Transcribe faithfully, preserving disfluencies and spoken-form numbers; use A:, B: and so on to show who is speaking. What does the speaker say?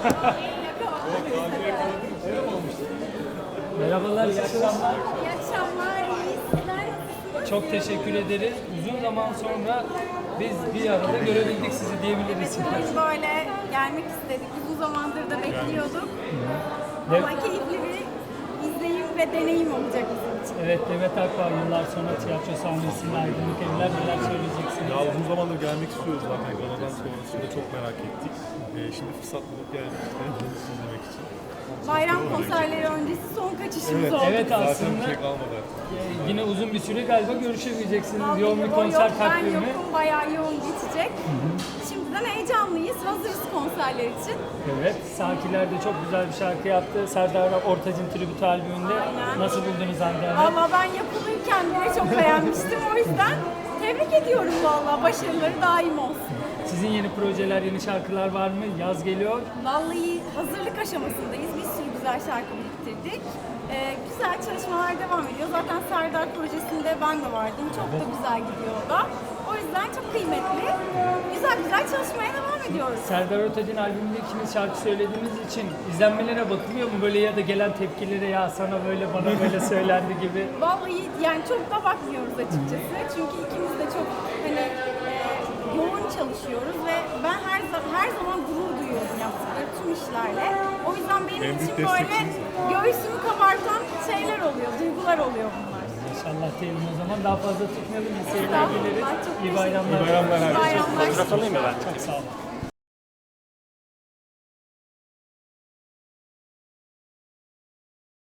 A: Merhabalar, iyi akşamlar.
B: İyi akşamlar, iyi sizler nasılsınız?
A: Çok teşekkür ederiz. Uzun zaman sonra biz bir arada görebildik sizi diyebiliriz.
B: Evet, biz böyle gelmek istedik. Uzun zamandır da bekliyorduk.
A: Evet.
B: Ama keyifli bir izleyim ve deneyim olacak bizim için.
A: Evet, Demet Akbağ yıllar sonra tiyatro sahnesinde Aydınlık Evler, neler söyleyeceksiniz?
C: Ya uzun zamandır gelmek istiyoruz zaten. Galadan sonrasında çok merak ettik. Ee, şimdi fırsat bulup geldik işte sizi izlemek için.
B: Bayram konserleri öncesi son kaçışımız oldu.
A: Evet,
C: Zaten
A: aslında
C: bir şey kalmadı artık.
A: e, yine uzun bir süre galiba görüşemeyeceksiniz.
B: Vallahi
A: Yoğun bir
B: o
A: konser
B: yok,
A: takvimi.
B: Ben yokum, bayağı yoğun geçecek. Şimdiden heyecanlıyız, hazırız konserler için.
A: Evet, Sakiler de çok güzel bir şarkı yaptı. Serdar Ortaç'ın tribüt albümünde.
B: Aynen.
A: Nasıl buldunuz Hande Hanım?
B: Valla ben yapılırken bile çok beğenmiştim. O yüzden tebrik ediyorum valla. Başarıları daim olsun.
A: Sizin yeni projeler, yeni şarkılar var mı? Yaz geliyor.
B: Vallahi hazırlık aşamasındayız. Bir sürü güzel şarkı biriktirdik. Ee, güzel çalışmalar devam ediyor. Zaten Serdar projesinde ben de vardım. Çok da güzel gidiyor o da. O yüzden çok kıymetli. Güzel güzel çalışmaya devam ediyoruz.
A: Serdar Ortaç'ın albümünde ikiniz şarkı söylediğiniz için izlenmelere bakılıyor mu? Böyle ya da gelen tepkilere ya sana böyle bana böyle söylendi gibi.
B: Vallahi yani çok da bakmıyoruz açıkçası. Çünkü ikimiz de çok hani e, yoğun çalışıyoruz ve ben her zaman her zaman gurur duyuyorum yaptıkları tüm işlerle. O yüzden benim
C: En büyük
B: için böyle
C: destekçiniz.
B: göğsümü kabartan şeyler oluyor, duygular oluyor bunlar.
A: İnşallah diyelim o zaman. Daha fazla tutmayalım. İyi seyirler dileriz.
B: Estağfurullah, çok
A: İyi
B: teşekkür
A: bayramlar.
C: İyi bayramlar.
B: Bayramlar.
A: Çok sağ olun.